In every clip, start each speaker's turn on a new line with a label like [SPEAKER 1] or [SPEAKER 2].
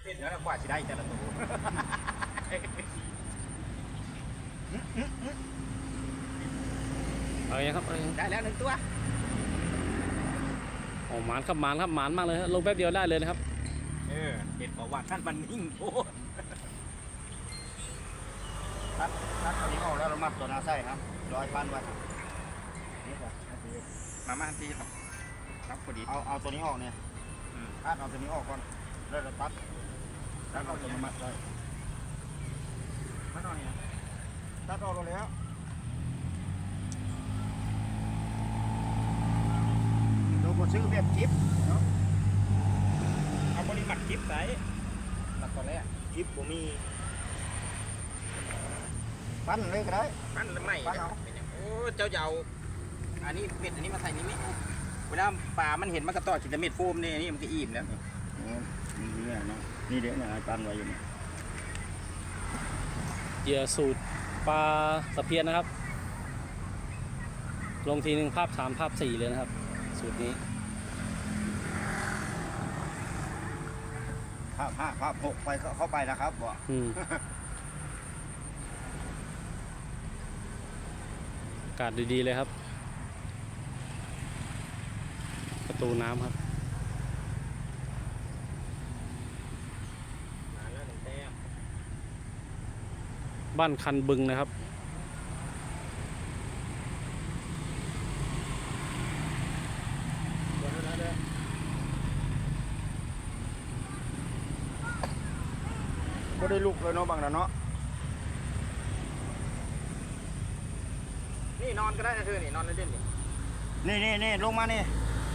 [SPEAKER 1] แล้วกว่าจะได้แต่ละตัว
[SPEAKER 2] เอาอย่างครับ
[SPEAKER 1] ได้แล้ว1 ตัว
[SPEAKER 2] โอ้หมานครับหมานครับหมานมากเลยลงแป๊บเดียวได้เลยนะครับ
[SPEAKER 1] เห็ดบอกว่าท่านมันนิ่งโอ้ทัดตัวนี้ออกแล้วเรามัดตัวนาไส้ครับ100 ไว้นี่ก่อนมาทีครับพอดีเอาตัวนี้ออกเนี่ยทัดเอาตัวนี้ออกก่อนแล้วเราตัดเอาตัวนี้มัดเลยทัดออกเนี่ยตัดออกแล้วดูบนซื้อแบบจิ๊บเนาะเอาบริมัดจิ๊บใส่หลักตอนแรกจิ๊บผมมีปั้นเลยก็ได้ปั้นไม่ปั้นเอาโอ้เจ้าเอาอันนี้เม็ดอันนี้มาใส่นี่ไหมเวลาปลามันเห็นมันกระต่อจิตเม็ดโฟมเนี่ยนี่มันก็อิ่มแล้วนี่เนี่ยเนาะนี่เดี๋ยวเนี่ยปั้นไว้อยู่เนี่ย
[SPEAKER 2] เหยื่อสูตรปลาตะเพียนนะครับลงทีหนึ่งภาพ3 ภาพ 4เลยนะครับสูตรนี้
[SPEAKER 1] ภาพ5 ภาพ 6ไปเข้าไปนะครับบ่
[SPEAKER 2] อากาศดีๆเลยครับประตูน้ำครับบ้านคันบึงนะครับ
[SPEAKER 1] ก็ได้ลูกเลยเนาะบางนะเนาะนี่นอนก็ได้นะเธอนี่นอนเล่นนี่ลงมานี่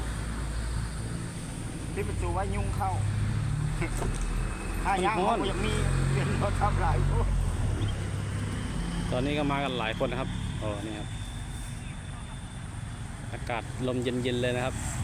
[SPEAKER 1] ที่ประตูไว้ยุงเข้าถ้าย่างเขายังมีเปลี่ยนรถทับหลาย
[SPEAKER 2] ตอนนี้ก็มากันหลายคนนะครับโอ้นี่ครับอากาศลมเย็นๆเลยนะครับ